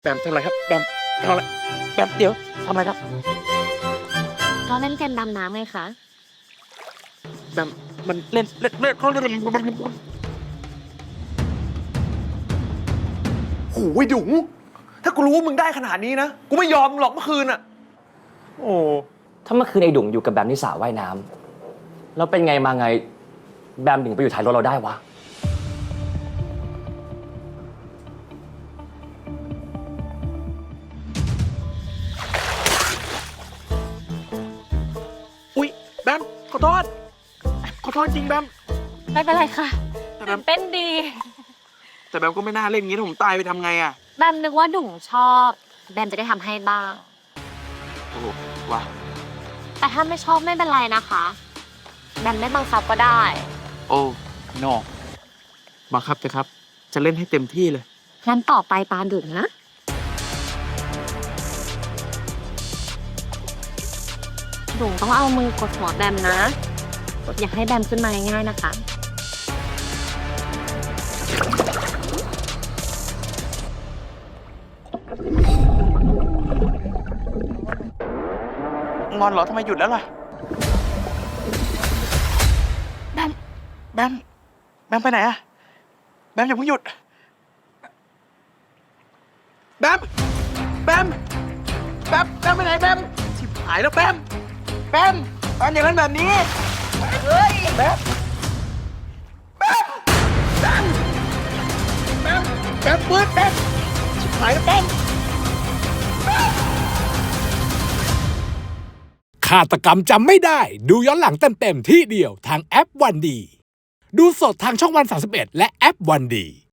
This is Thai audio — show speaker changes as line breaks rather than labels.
แบมทำอะไรครับแบมทำอะไรแบมเดี๋ยวทำอะไรครับ
ก็เล่นเกมดำน้ำไงคะ
แบมมันเล่นเขาเล่น
โอ้ยดุ๋งถ้ากูรู้ว่ามึงได้ขนาดนี้นะ กูไม่ยอมมึงหรอกเมื่อคืนอ่ะ
โอ้
ถ้าเมื่อคืนไอ้ดุ่งอยู่กับแบมที่สระว่ายน้ำแล้วเป็นไงมาไงแบมถึงไปอยู่ท้ายรถเราได้วะ
อุ๊ยแบมขอโทษจริงแบม
ไม่เป็นไรค่ะ
แต่แบม
เต้นดี
แต่แบมก็ไม่น่าเล่นอย่างนี้ถ้าผมตายไปทำไงอ่ะ
แบมนึกว่าดุ่งชอบ แบมจะได้ทำให้บ้าง
โอ้โหว่ะ
แต่ถ้าไม่ชอบไม่เป็นไรนะคะ แบมไม่บังคับก็ได้
โอ้นอบังคับเถอะครับ จะเล่นให้เต็มที่เลย
งั้นต่อไปปาดุ่งนะ ดุ่งต้องเอามือกดหัวแบมนะ อย่าให้แบมขึ้นมาง่ายๆนะคะ
งอนเหรอทำไมหยุดแล้วล่ะแบมแบมไปไหนอะแบมอย่าเพิ่งหยุดแบมไปไหนแบมชิบหายแล้วแบมตอนอย่างนั้นแบบนี้เฮ้ยแบมปื๊ดแบมชิบหายแล้วแบม
ฆาตกรรมจำไม่ได้ ดูย้อนหลังเต็มๆที่เดียวทางแอปวันดี ดูสดทางช่องวัน31และแอปวันดี